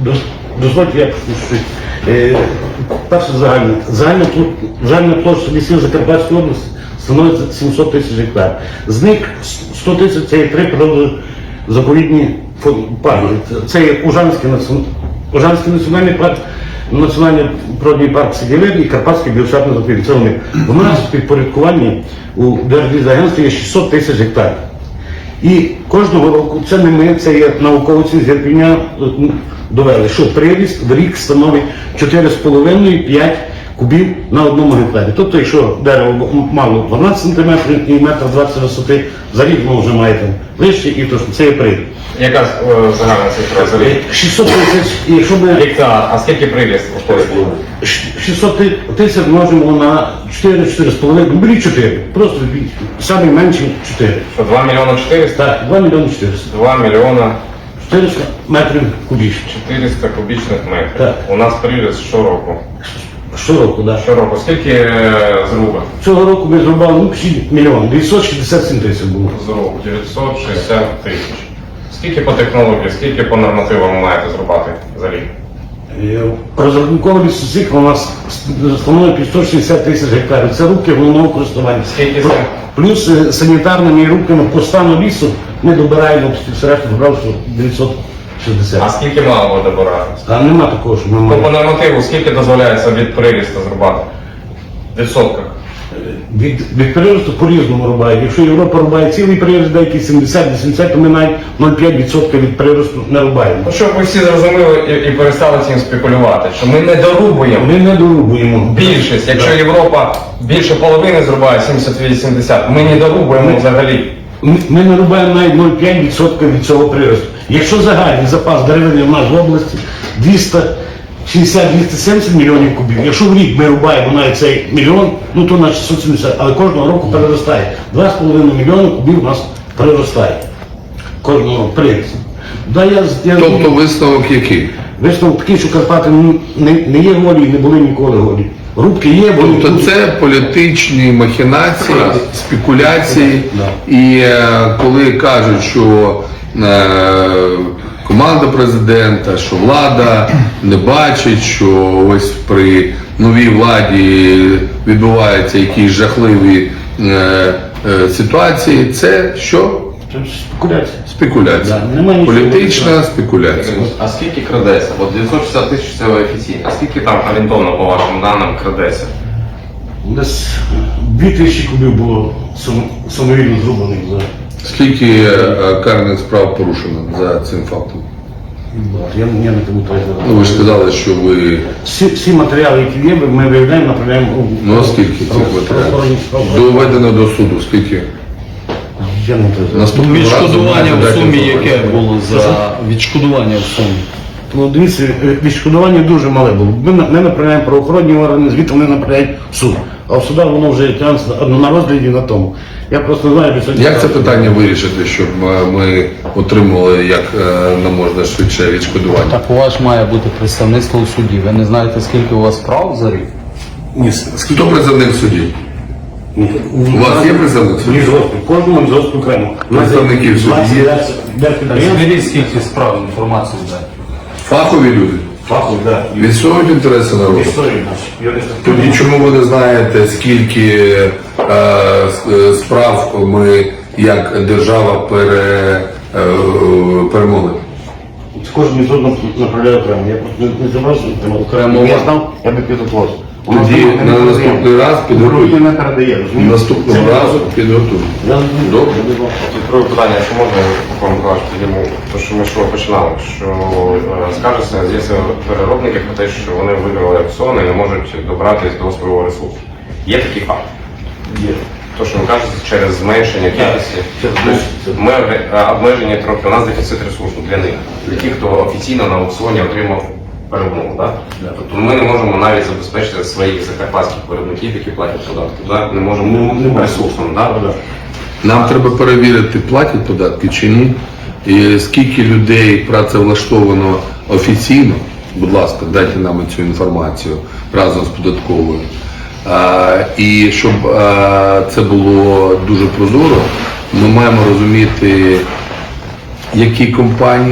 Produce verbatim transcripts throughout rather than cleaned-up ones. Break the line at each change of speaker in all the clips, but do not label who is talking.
дозвольте, я щось. Е, перше загальне. Загальна, загальна площа лісів Закарпатської області становить сімсот тисяч гектар. З них сто тисяч це є три природозаповідні парки. Це є Ужанський, Ужанський національний парк, Національний природний парк Сиділин і Карпатський біосферний заповідник. Це вони. У нас в підпорядкуванні у Держлісагентстві є шістсот тисяч гектарів. І кожного року, це не ми, це є науковці з Ірпеня довели, що приріст в рік становить чотири з половиною - п'ять кубів на одному гектарі. Тобто, якщо дерево мало дванадцять сантиметрів і метр двадцять висоти, за рік воно вже має там вище, і то, це є приріст.
Яка е, загальна цифра за рік?
шістсот тисяч, і якщо ми...
Гектар, а скільки приріст виходить?
шістсот тисяч множимо на чотири - чотири з половиною, ну беріть чотири, просто самі менші чотири.
Що, два мільйони чотириста?
Так, два мільйони чотириста.
два мільйона
чотириста метрів кубічних.
чотириста кубічних метрів.
Так.
У нас приріст щороку.
Щороку, так.
Щороку. Скільки е, зруба?
Цього року ми зрубали ну, мільйон, дев'ятсот шістдесят сім тисяч було.
Зруб дев'ятсот шістдесят тисяч. Скільки по технології, скільки по нормативам маєте зрубати за рік?
Розрахунковий лісоцикл у нас становить п'ятсот шістдесят тисяч гектарів. Це рубки головного користування.
Скільки це?
Плюс е, санітарними рубками по стану лісу ми добираємо середньо добрав, що дев'ятсот шістдесят.
А скільки мало буде добирати?
А нема такого, що ми
Ну, по
маємо.
нормативу скільки дозволяється від прирісту зрубати? В відсотках?
Від, від приросту по-різному рубають. Якщо Європа рубає цілий прирост, деякі сімдесят - вісімдесят, то ми навіть нуль цілих п'ять відсотка від приросту не рубаємо.
Ну, щоб ви всі зрозуміли і, і перестали цим спекулювати, що ми не дорубуємо.
Ми не дорубуємо.
Більшість, якщо
Да.
Європа більше половини зрубає, сімдесят - вісімдесят, ми не дорубуємо
Ми-
взагалі.
Ми, ми не рубаємо навіть нуль цілих п'ять відсотка від цього приросту. Якщо загальний запас деревини в нас в області двісті шістдесят - двісті сімдесят мільйонів кубів, якщо в рік ми рубаємо навіть цей мільйон, ну то на шістсот сімдесят, але кожного року переростає. два з половиною мільйони кубів у нас приростає. Кожного року приріст. Да, я, я,
Тобто висновок який?
Висновок такий, що Карпати не, не є голі і не були ніколи голі. Рубки є, бо
Тобто це політичні махінації, спекуляції,
Да.
і е, коли кажуть, що е, команда президента, що влада не бачить, що ось при новій владі відбуваються якісь жахливі е, е, ситуації, це що?
це спекуляція.
Спекуляція.
Да, немає нічого.
Політична спекуляція.
А скільки крадеться? От дев'ятсот шістдесят тисяч це офіційно. А скільки там орієнтовно по вашим даним крадеться?
Десь дві тисячі кубів було сам- самовільно зрубаних за.
Скільки е, карних справ порушено за цим фактом?
Я, я не пам'ятаю.
Ну, ви ж сказали, що ви...
Всі, всі матеріали, які є, ми виявляємо, направляємо у
Ну, а скільки цих матеріалів? Доведено до суду, скільки?
Я не знаю.
Наступного разу
Відшкодування
маєте
в
дати
сумі
інформацію.
яке було за відшкодування в сумі?
Ну, дивіться, е, відшкодування дуже мале було. Ми, на- ми направляємо правоохоронні органи, звідти вони направляють в суд. А в судах воно вже тягнеться на, на розгляді на тому. Я просто не знаю, що сьогодні...
Як це питання вирішити, щоб е, ми отримали як е, не можна швидше відшкодування?
Так у вас має бути представництво у суді. Ви не знаєте, скільки у вас справ за рік?
Ні, скільки...
Хто представник судів?
Ні.
У вас є представник судів?
Лісгоспу. Кожному лісгоспу окремо. У нас є
Представників судів
двадцять
є?
десять підприємств.
Зберіть скільки справ, інформацію дайте.
Фахові люди?
Фаху, так.
Відсовують інтереси народу?
Історії наші. Юристи.
Тоді чому ви не знаєте, скільки е, с- е, справ ми як держава пере, е, перемогли?
Кожен міжнародно направляє окремо. Я просто не, не забрав, що там
Окремо.
Я знав, я би підготувався. У нас
Тоді
там не
на
передаємо.
наступний раз
Грудні
підготуйте.
не передає, розумієте?
Наступного
Це
разу підготуйте.
Я
Добре.
Друге питання, якщо можна, Микола Миколаївич, підійму, то що ми що починали, що е, скажеться, з'являються переробники про те, що вони виграли аукціон і не можуть добратися до свого ресурсу. Є такий факт?
Є.
То, що ви кажете, через зменшення кількості.
Через
Ну,
зменшення.
Ми е, обмежені трохи, у нас дефіцит ресурсу для них, для тих, хто офіційно на аукціоні отримав перемогу. Да? Тобто ми не можемо навіть забезпечити своїх закарпатських виробників, які платять податки. Да? Не можемо
Не- не можемо.
ресурсом. Да?
Да.
Нам треба перевірити, платять податки чи ні, і скільки людей працевлаштовано офіційно. Будь ласка, дайте нам цю інформацію разом з податковою. А, і щоб а, це було дуже прозоро, ми маємо розуміти, які компанії,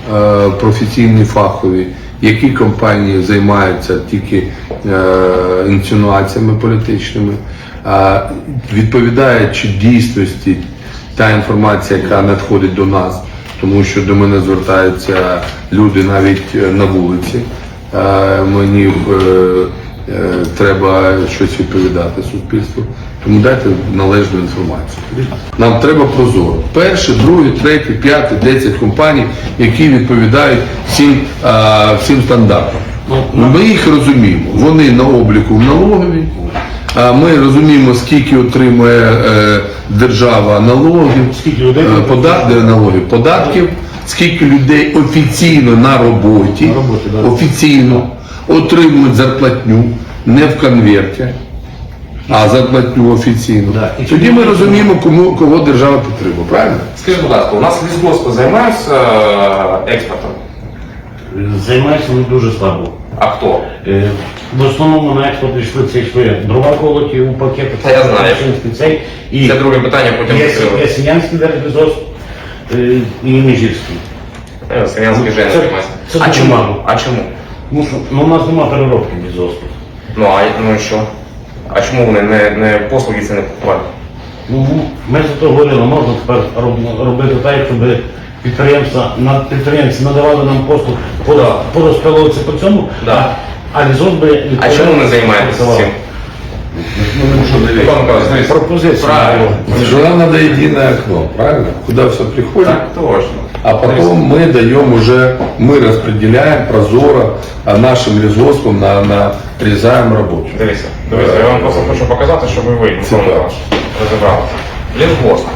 е, професійні, фахові, які компанії займаються тільки е, інсинуаціями політичними, е, відповідає чи дійсності та інформація, яка надходить до нас, тому що до мене звертаються люди навіть е, на вулиці. Е, мені е, е, треба щось відповідати суспільству. Тому дайте належну інформацію. Нам треба прозоро. Перше, друге, третє, п'яте, десять компаній, які відповідають всім, а, всім стандартам. Ми їх розуміємо. Вони на обліку в налоговій. А ми розуміємо, скільки отримує е, держава налогів,
Скільки людей
е, подат- налогів, податків, скільки людей офіційно на роботі,
На роботі, да.
офіційно отримують зарплатню, не в конверті, а зарплатню офіційно.
Да. І
Тоді ми розуміємо, кому, кого держава підтримує, правильно?
Скажіть, будь ласка, у нас лісгоспи займаються е, експортом?
Займається не дуже слабо.
А хто?
Е, В основному на експорт йшли це йшли дрова колоті у пакети.
Та я знаю.
Машинський цей. І
Це друге питання, потім
є,
відкрили.
є Сінянський держлісгосп е, і Міжівський.
Е, Селянський
Це-
Женя займається.
це
А
дуже
чому?
мало.
А чому?
Ну, що, ну, у нас немає переробки лісгоспу.
Ну а ну і що? А чому вони не, не послуги це не купували?
Ну, ми за то говорили, можна тепер роб- робити так, щоб підприємства, на- підприємці надавали нам послуг по, по розпиловці по цьому,
Да.
а, а лісгоспи...
А чому не займаєтеся цим?
Ну, що дивіться.
Павло Миколаївич, дивіться.
Пропозиція.
Правильно.
Что нам надо единое окно, правильно? Куда все приходит,
Так, точно.
а потом мы даем уже, мы распределяем прозоро а, нашим лесгоспам на, на нарезаем рабочих.
Дивіться, дивіться, я вам просто хочу показати, щоб ви Микола
Цікаво.
Миколаївич, розібралися. Лісгосп.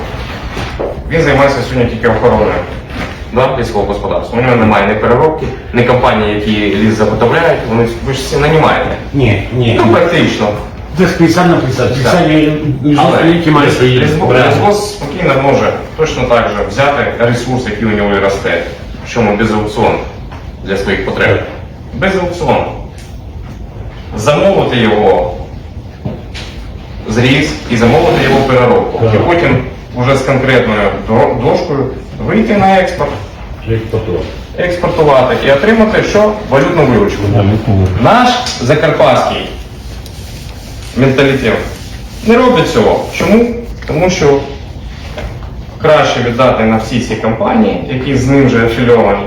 Він займається сьогодні тільки охороною, да, лісового господарства. У нього немає ні переробки, ні компаній, які ліс заготовляють, вони ви ж всі нанімаєте.
Ні, ні.
Ну, практично.
Це ж п'ятдесят на п'ятдесят. п'ятдесят
Але
які мають свої бренди.
лісгосп спокійно може точно так же взяти ресурс, який у нього і росте, причому без аукціону для своїх потреб. Без аукціону. Замовити його зріз і замовити його переробку.
Так.
І потім вже з конкретною до- дошкою вийти на експорт, експортувати і отримати що? Валютну виручку. Наш закарпатський менталітет не робить цього. Чому? Тому що краще віддати на всі ці компанії, які з ним вже афільовані.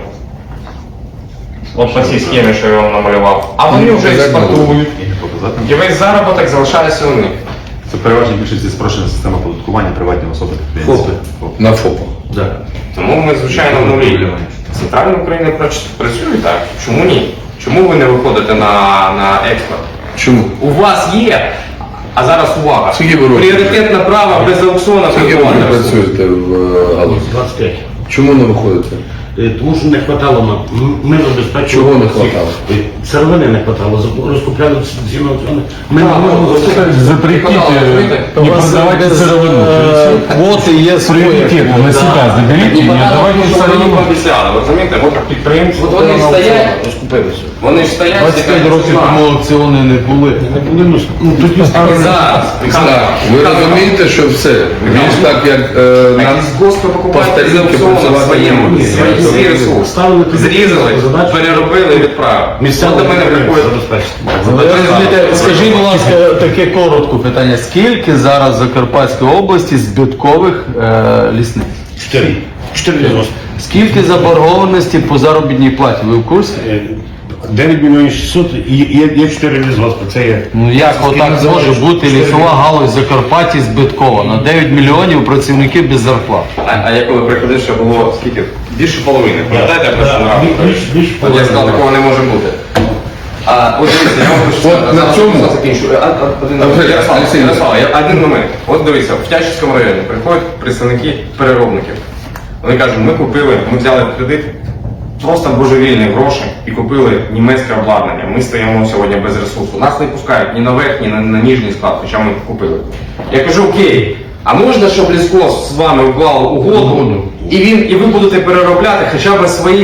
От по цій схемі, що я вам намалював. А вони вже експортують. І весь заробіток залишається у них.
Це переважно більшість спрощена система оподаткування приватні особи підприємці.
ФОПи. На ФОПах.
Да.
Тому ми, звичайно, в нулі. Центральна Україна прац- працює так. Чому ні? Чому ви не виходите на, на експорт?
Чому?
У вас є, а зараз увага.
Скільки ви років?
Пріоритетне право без аукціону
Скільки ви
купувати.
працюєте в е, галузі?
двадцять п'ять.
Чому не виходите?
Е, Тому що не хватало нам. М- Ми забезпечували.
Чого не
всіх.
хватало?
Е, Сировини не хватало. Зап- Розкупляли ці на аукціони. Ми не
Так,
можемо
ну,
забезпечити.
Запретите
У вас без е, квоти є своє.
на себя заберите и не отдавайте
Вони
сировину.
пообіцяли, ви розумієте? От
Підприємці
От вони
на
стоять.
аукціони розкупилися.
Вони ж стоять,
двадцять п'ять
кажуть,
років
«Знаю».
тому аукціони не були.
Не були, ну, ну, тоді
І
ставили.
зараз.
Так, ви розумієте, що все. Більш так, як е,
Так,
на
лісгоспи
по
покупають з
старінки
аукціону
працювати
своєму,
не
свій
можна.
свій ресурс.
Ставили тоді
Зрізали,
задачу.
переробили і відправили. От до мене приходять.
забезпечити.
Ви розумієте, скажіть, будь ласка, таке коротке питання. Скільки зараз в Закарпатській області збиткових е, лісниць?
Чотири. Чотири лісгоспи.
Скільки заборгованості по заробітній платі? Ви в курсі?
Е, дев'ять мільйонів шістсот і є, є чотири лісгоспи. Це є.
Ну як
Скільки
отак може
називаєш?
бути
Чотири.
лісова галузь в Закарпатті збиткова? На дев'ять мільйонів працівників без зарплат.
А, а я коли приходив, ще було скільки? Більше половини. Пам'ятаєте, я просто
Да,
нагадую?
більш- більше
От я сказав,
половини.
такого не може бути. А, от дивіться, я вам хочу
От
сказати,
на
зараз
цьому-
я закінчу. А, а, один
А,
момент.
вже,
Ярослав,
Олексій,
Ярослав, я- один момент. От дивіться, в Тячівському районі приходять представники переробників. Вони кажуть, ми купили, ми взяли кредит, просто божевільні гроші і купили німецьке обладнання. Ми стоїмо сьогодні без ресурсу. Нас не пускають ні на верхній, ні на, на ніжній склад, хоча ми купили. Я кажу, окей, а можна, щоб лісгосп з вами уклав угоду, і він, і ви будете переробляти хоча б своїх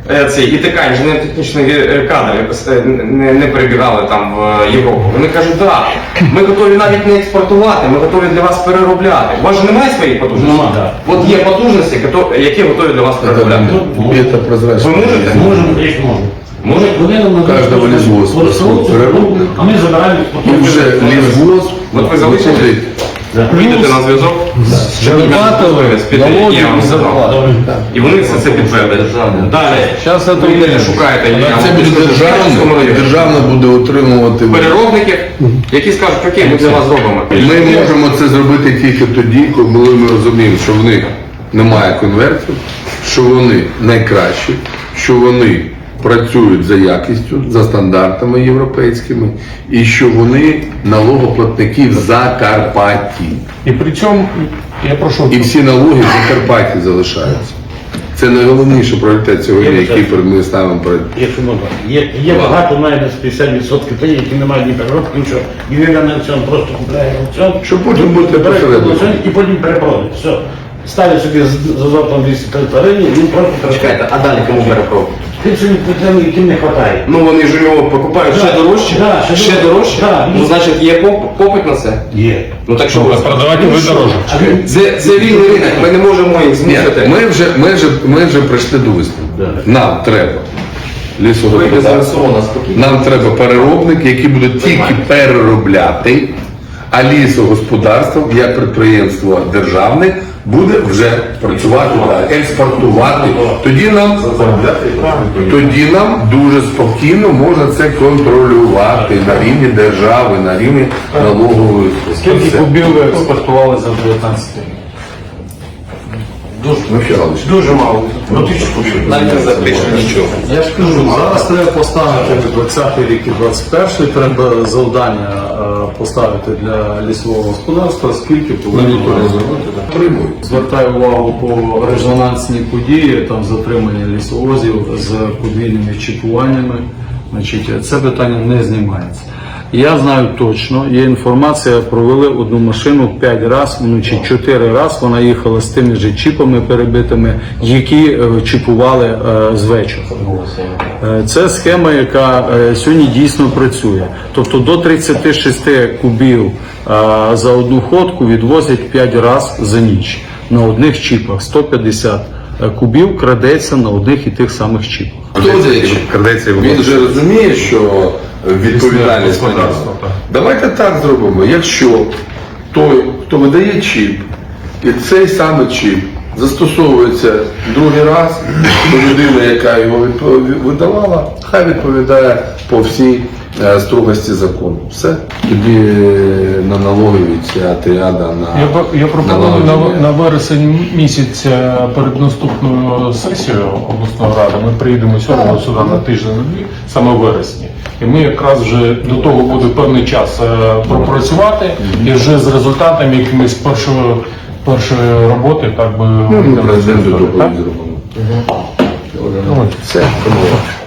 е, цей ІТК, інженерно-технічний е, кадр, е, не, не перебігали там в Європу. Вони кажуть, так, ми готові навіть не експортувати, ми готові для вас переробляти. У вас же немає своїх потужностей?
Нема, да.
От є потужності, кото- які готові для вас переробляти.
Это прозрачно.
Ви можете?
Можемо, як можемо.
Може,
Вони нам
Кожного лісгоспу переробку.
а ми забираємо.
І вже лісгосп
От ви залишите?
виходить.
Вийдете на зв'язок,
Виплатили налоги
Я вам
і
сказав.
зарплати.
і вони все це підтвердять. Далі.
Зараз це
Ви
буде.
шукаєте, я
Це
вам
буде
скажу, в Київському
державне,
районі.
державне буде утримувати.
Переробників, які скажуть, окей, ми для вас зробимо.
Ми можемо це зробити тільки тоді, коли ми розуміємо, що в них немає конвертів, що вони найкращі, що вони працюють за якістю, за стандартами європейськими, і що вони налогоплатники в Закарпатті.
І при цьому, я прошу,
І всі налоги в Закарпатті залишаються. Це найголовніший пріоритет сьогодні, який перед ми ставимо перед.
Якщо можна. Є, є багато, навіть десь п'ятдесят відсотків тих, які не мають ні переробки, нічого. І він на аукціон просто купляє аукціон.
Щоб потім бути
бере
посередником.
аукціон і потім перепродає. Все. Ставить собі з- за золотом двісті триста гривень, він просто перепродає.
Чекайте, а далі кому перепробують?
Тим, що він- яким не вистачає.
Ну вони ж його покупають ще
Да,
дорожче,
да, ще
ще
дорожче.
дорожче.
Да.
Ну значить є поп- попит на це.
Є.
Ну так що ви
продавати ви дорожче.
Це, це вільний ринок, ми не можемо їх
Ні,
змусити.
ми вже, ми вже, ми вже прийшли до висновку. Нам треба лісогосподарство, нам треба переробники, які будуть тільки переробляти, а лісогосподарство, як підприємство державне, буде вже працювати, далі, експортувати. Тоді нам, тоді нам дуже спокійно можна це контролювати на рівні держави, на рівні налогової.
Скільки
Все.
кубів ви експортували за дев'ятнадцять рік?
Михайлович.
Дуже мало. Ну тисячу кубів. Навіть не запишемо нічого.
Я ж кажу, зараз треба поставити двадцятий рік і двадцять перший, треба завдання е, поставити для лісового господарства, скільки повинні зробити. Звертаю увагу по резонансній події, там затримання лісовозів з подвійними чіпуваннями. Значить, це питання не знімається. Я знаю точно, є інформація, провели одну машину п'ять разів, ну чи чотири рази вона їхала з тими ж чіпами перебитими, які е, чіпували е, з вечора. Е, Це схема, яка е, сьогодні дійсно працює. Тобто до тридцяти шести кубів е, за одну ходку відвозять п'ять разів за ніч на одних чіпах. сто п'ятдесят кубів крадеться на одних і тих самих чіпах.
Хто це? Він вже розуміє, що відповідальність на нього. Давайте так зробимо. Якщо той, хто видає чіп, і цей самий чіп застосовується другий раз, то людина, яка його відпов- видавала, хай відповідає по всій е, строгості закону. Все. Тоді е, на налогові ця тріада на
Я, про- я пропоную на,
налагодження.
на вересень місяць е, перед наступною сесією обласної ради ми приїдемо сьогодні сюди на тиждень на дві, саме в вересні. І ми якраз вже до того буде певний час е, пропрацювати і вже з результатами якимись першої, першої роботи так би
Ну, ми
вийдемо на
президенту
цю історію,
доповідь
так?
зробимо. Все, домовились.